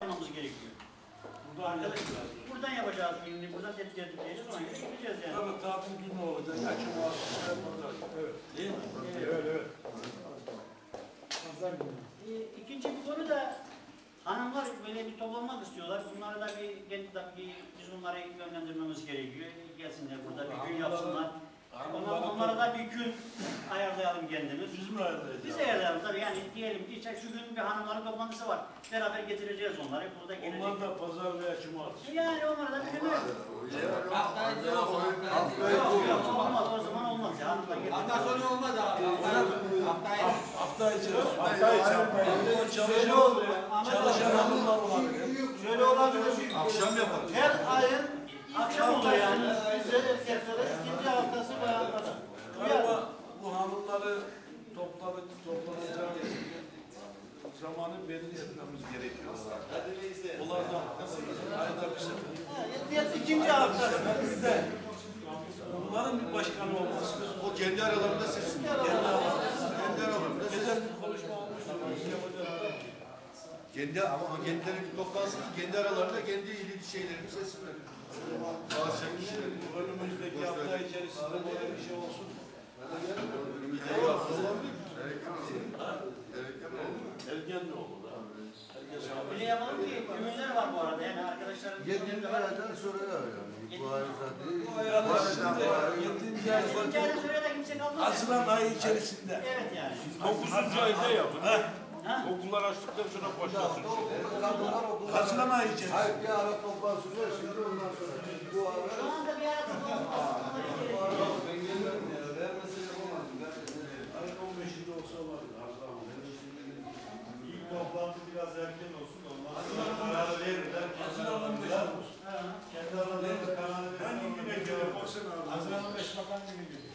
yapmamız gerekiyor. Buradan yapacağız gününü, buradan tedbirleyeceğiz, ona göre gideceğiz yani. Tabii tatil günü olacak, açım olacak. Evet. Değil mi? Evet. Pazar günü. İkinci bir konu da hanımlar böyle bir toplanmak istiyorlar. Bunları da biz onları yönlendirmemiz gerekiyor. Gelsinler burada bir gün yapsınlar. Onlara da bir gün ayarlayalım kendimiz. Biz mi ayarlayacağız? Biz ayarlayalım tabii yani diyelim ki şu gün bir hanımların toplantısı var. Beraber getireceğiz onları. Burada gelecek. Onlar da pazar veya cumartesi. Yani onlara da bir gün yok. Olmaz o zaman olmaz ya. Hafta sonu olmaz abi. Hafta içi. Çalışan hanımlar olabilir. Şöyle olabilir. Akşam yapalım. Her ayın Akşam oluyor yani. bize erkeklere ikinci haftası bayanlara. Galiba bu hanımları toplanacağı zamanı belirlememiz gerekiyor. Onlardan ayda bir sefer. İkinci haftası bizde. Bunların bir başkanı olması. O kendi aralarında seçsin. Kendi aralarında Geçen seçsin. bir konuşma olmuştu. Ama kendileri bir toplansın, kendi aralarında kendi ilgili şeylerini seçsinler. Bazı şeyleri. Önümüzdeki hafta içerisinde böyle bir şey olsun. Ergen de olur. Öyle yapalım ki ümürler var bu arada yani arkadaşların. 7. aydan sonra yani. Bu ay zaten. Bu ay 7. ay Yani söyle de kimse kalmaz. Haziran ayı içerisinde. Evet yani. 9. ayda yapın. Okullar açtıktan sonra başlasın. Haziran ayı içerisinde. Hayır, bir ara toplansın. Şimdi ondan sonra. Bu ara. Şu anda bir arada Ayın 15'inde olsa var. İlk toplantı biraz erken olsun. Ondan sonra kararı verirler. Haziran 15'inde olsun. Kendi aralarında kararı verirler. Hangi güne göre baksana abi. Haziran 15 bakan günü geliyor.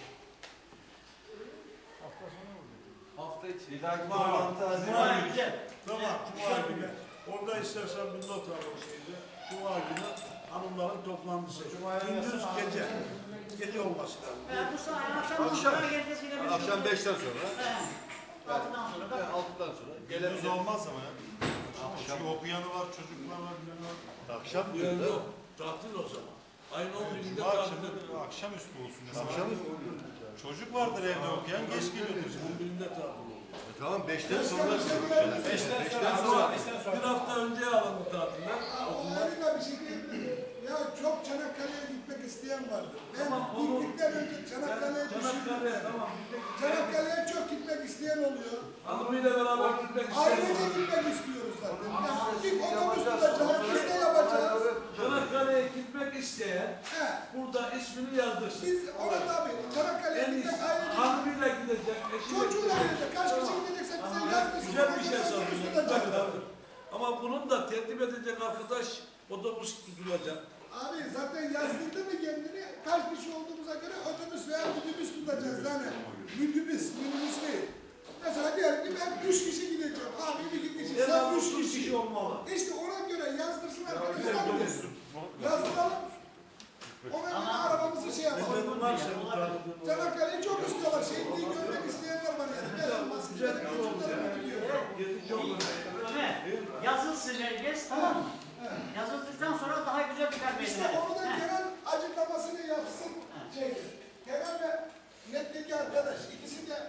Hafta sonu mu? Hafta içi. Bir dahaki toplantı Haziran Cuma güzel. Tamam, Cuma günü. Orada istersen bir not alalım şeyde. Cuma günü hanımların toplantısı. Gündüz gece. Gece olması lazım. Bu saat akşam herkes gidebilir. Akşam 5'ten sonra. Altıdan sonra da 6'dan sonra. Gündüz olmaz ama ya. Çünkü okuyanı var, çocuklar var, bilen var. Akşam Yok yok. Tatil o zaman. Ayın 11'inde Cuma tatil. akşamüstü olsun. Mesela. Akşam Çocuk vardır evde okuyan, geç geliyordur. 11'inde tatil oluyor. Tamam 5'ten sonra. 5'ten sonra. Bir hafta önce alındı tatiller. Harika bir şey değil mi? Ya çok Çanakkale'ye gitmek isteyen vardı. Ben gittikten önce Çanakkale'ye düşündüm. Tamam. Çanakkale'ye çok gitmek isteyen oluyor. Hanımıyla beraber gitmek Ailece istiyorum. gitmek istiyoruz zaten. Ya bir otobüs tutacağız, biz de yapacağız. Çanakkale'ye gitmek isteyen He, burada ismini yazdırsın. biz ona tabii Çanakkale'ye En gitmek iyisi ailece. hanımıyla gidecek, eşiyle Çocuğuyla gidecek. gidecek. Kaç kişi gidecekse bize yazdırsın. Güzel bir şey Otobüs sanırım. tutacağız. Ama bunun da tertip edecek arkadaş otobüs tutulacak. Abi zaten yazdırdı mı kendini? Kaç kişi olduğumuza göre otobüs veya minibüs tutacağız yani. Minibüs değil. Mesela diyelim ki ben 3 kişi gideceğim. Abi 2 kişi, En sen az 3 3 kişi olmalı. İşte ona göre yazdırsın arkadaşlar. Yazdıralım. Ona göre arabamızı şey yapalım. Benim var senin tanıdığın. Çanakkale'yi çok istiyorlar. Şehitliği görmek isteyenler var yani. Ben olmasın. Güzel Benim bir yol. çocuklarım gidiyor. Gedici olur. Ömer, yazılsın herkes tamam mı? Yazıldıktan sonra daha güzel bir kalp İşte onu da Kenan açıklamasını yapsın. Kenan ve netteki arkadaş ikisi de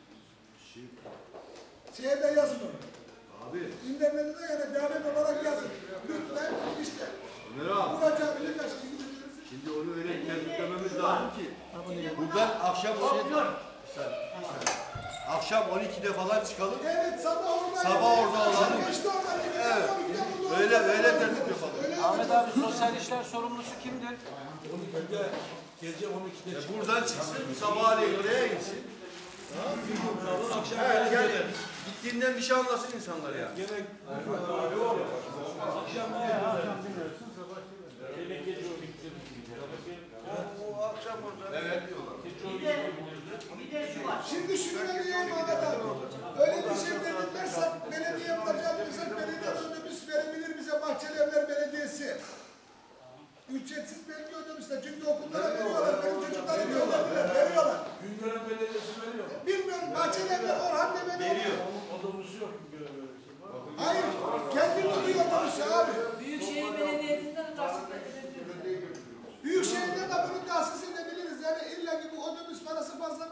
şeyde yazın onu. Abi. İnternette de yani davet olarak yazın. Lütfen işte. Vuracağım birkaç kişi gidiyoruz. Şimdi onu öyle tertiplememiz lazım ki. Buradan akşam 12'de falan çıkalım. Evet sabah orada. Sabah orada olalım. Beşte oradan gidelim. Evet. Öyle tertip yapalım. Ahmet abi sosyal işler sorumlusu kimdir? 12'de, gece 12'de çıkıyor. Buradan çıksın, sabahleyin oraya gitsin. Akşam Evet, yani gelir. gittiğinden bir şey anlasın insanlar ya. Gene akşam ne O akşam orada. Evet. bir de şu var. Şimdi şunu ben diyeyim Ahmet abi. Öyle bir şey dedilerse belediye yapacağız desek belediye otobüs verebilir bize Bahçelievler Belediyesi. Ücretsiz belki otobüsler. Çünkü okullara veriyorlar. Benim çocuklara veriyorlar. Güngören Belediyesi veriyor. Bilmiyorum Bahçelievler Orhan Demir'i veriyor. Otobüsü yok Güngören Belediyesi. Hayır. Kendi tutuyor otobüsü abi.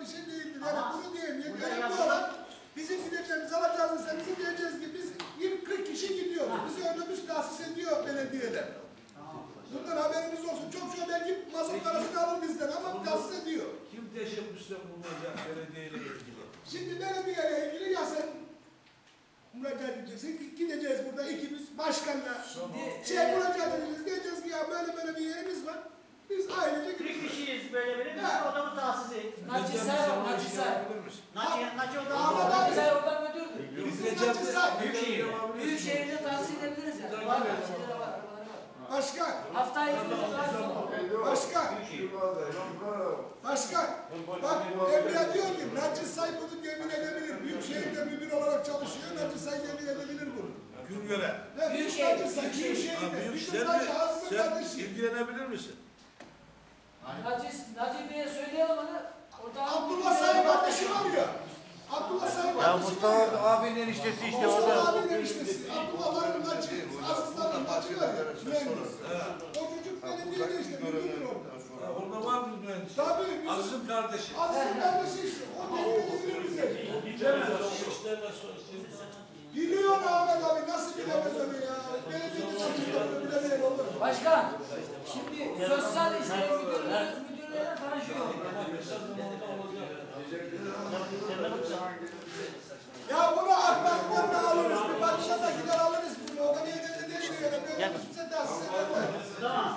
bir şey değildir. Yani Ama bunu diyeyim. burada Önemli yazılan- olan bizim gideceğimiz alacağız ise bizim diyeceğiz ki biz 20-40 kişi gidiyoruz. Bizi otobüs tahsis ediyor belediyeler. Bundan haberimiz olsun. Çok belki mazot parasını alır bizden ama tahsis ediyor. Kim teşebbüste bulunacak belediyeyle ilgili? Şimdi belediyeyle ilgili ya sen müracaat edeceksin. Gideceğiz burada ikimiz başkanla. Müracaat edeceğiz. Diyeceğiz ki ya böyle bir yerimiz var. Biz ailece 40 kişiyiz böyle bir Ha. odamı tahsisi. Naçizay o, Naçizay. Naci Ahmet odamı. abi. Naçizay oradan müdürdür. Bizim Naçizay. Büyükşehir. Büyük şehirde tahsil edebiliriz yani. Var, şeyleri var, arabaları var. Başkan. Haftaya 2 gün daha çok. Başkan. Başkan. Bak Emre diyor ki Naçizay bunu yemin edebilir. Büyükşehir'de müdür olarak çalışıyor. Naçizay yemin edebilir bunu. Güngöre. Büyükşehir, Büyükşehir'de. Sen ilgilenebilir misin? Naci Bey'e söyleyelim onu. Orada Abdullah Sayın kardeşi var ya. Abdullah Sayın kardeşi var ya. abinin eniştesi işte Mustafa abinin eniştesi. Abdullah'ların Naci. Aslıların Naci var ya. Mühendis. O çocuk belediyede işte. Müdür orada. Orada var mı mühendis? Tabii. biz- Aziz'in kardeşi. Aslı'nın kardeşi işte. O belediyede bize. Biliyor mu Ahmet abi? Nasıl bilemez onu ya? Belediyede çalıştığını bilemeyen olur. Başkan, şimdi sosyal hizmet müdürlüğüne karışıyor. Ya bunu akmaklarla alırız. Bir Batışa'dakiler alırız. Bunu o da niye de değil mi? Ya da bize tahsis ederler. Tamam.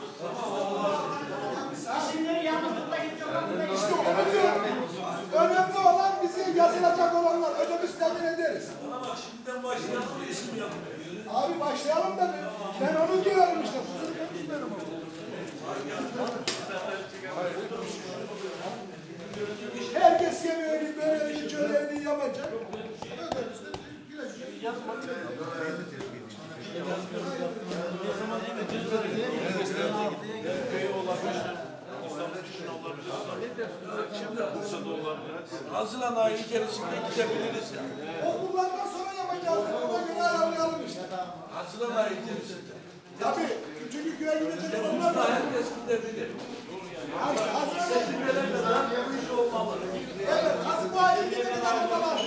İsimleri yalnızlıkta gidecek olan İşte onu diyorum. Önemli olan bize yazılacak olanlar. Ödümüz temin ederiz. Ama bak şimdiden başlayalım isim yapmıyor. Abi başlayalım da ben onu diyorum işte. Kusura bakmayın o. Herkes yemeğini, böreğini, çöreğini yapacak. Öderiz de güleşecek. Haziran ayı içerisinde gidebiliriz ya. Okullardan sonra yapacağız. Ona göre ayarlayalım işte. Haziran ayı içerisinde. Tabii. Çünkü köye gidecek okullar var. Herkes gidebilir. Hazır Bu iş olmalı. Evet, Hazır bu ayı gidelim arabalar.